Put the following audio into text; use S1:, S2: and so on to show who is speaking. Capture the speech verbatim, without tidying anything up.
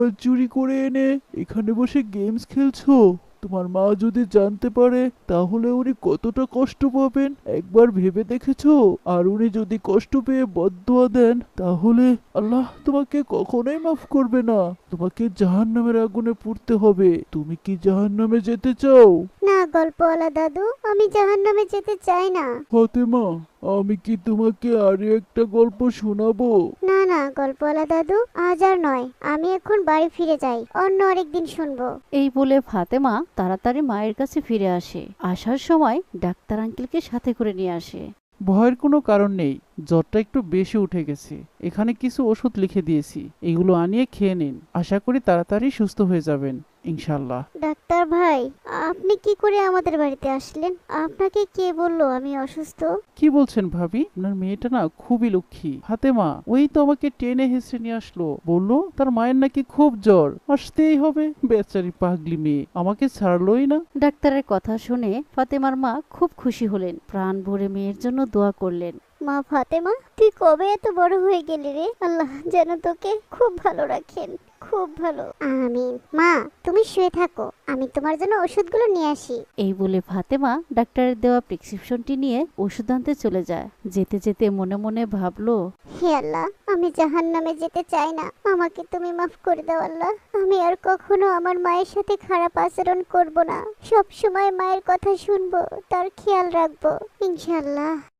S1: চুরি করে এনে এখানে বসে গেমস খেলছো? তোমার মা যদি জানতে পারে তাহলে উনি কতটা কষ্ট পাবেন একবার ভেবে দেখেছো? আর উনি যদি কষ্ট পেয়ে বদদোয়া দেন তাহলে আল্লাহ তোমাকে কখনোই মাফ করবে না। তোমাকে জাহান্নামের আগুনে পুড়তে হবে। তুমি কি জাহান্নামে যেতে চাও?
S2: না গল্পওয়ালা দাদু, আমি জাহান্নামে যেতে চাই না।
S1: ফাতেমা, আমি কি তোমাকে আরো একটা গল্প শোনাবো?
S2: না না গল্পওয়ালা দাদু, আজ আর নয়, আমি এখন বাড়ি ফিরে যাই, অন্য আরেকদিন শুনবো।
S3: এই বলে ফাতেমা তাড়াতাড়ি মায়ের কাছে ফিরে আসে। আসার সময় ডাক্তার আঙ্কেলকে সাথে করে নিয়ে আসে।
S1: ভয়ের কোনো কারণ নেই, জ্বরটা একটু বেশি উঠে গেছে। এখানে কিছু ওষুধ লিখে দিয়েছি, এগুলো আনিয়ে খেয়ে নিন। আশা করি তাড়াতাড়ি সুস্থ হয়ে যাবেন ইনশাল্লাহ।
S2: ডাক্তার ভাই, আপনি কি করে আমাদের বাড়িতে আসলেন? আপনাকে কে বললো আমি অসুস্থ?
S1: কি বলছেন ভাবি? আপনার মেয়েটা না খুবই লক্ষ্মী। ফাতেমা ওই তো আমাকে টেনে হেসড়ে নিয়ে আসলো, বললো তার মায়ের নাকি খুব জ্বর, আসতেই হবে। বেচারি পাগলি মেয়ে আমাকে ছাড়লোই না।
S3: ডাক্তারের কথা শুনে ফাতেমার মা খুব খুশি হলেন, প্রাণ ভরে মেয়ের জন্য দোয়া করলেন।
S2: মা ফাতেমা, তুই কবে এত বড় হয়ে গেলি রে? আল্লাহ যেন তোকে খুব ভালো রাখেন, খুব ভালো। আমিন। মা, তুমি শুয়ে থাকো, আমি তোমার জন্য ওষুধগুলো নিয়ে আসি।
S3: এই বলে ফাতেমা ডাক্তারের দেওয়া প্রেসক্রিপশনটি নিয়ে ওষুধ আনতে চলে যায়। যেতে যেতে মনে মনে ভাবলো,
S2: হে আল্লাহ, আমি জাহান্নামে যেতে চাই না, আমাকে তুমি মাফ করে দাও আল্লাহ। আমি আর কখনো আমার মায়ের সাথে খারাপ আচরণ করব না, সব সময় মায়ের কথা শুনবো, তার খেয়াল রাখবো ইনশাআল্লাহ।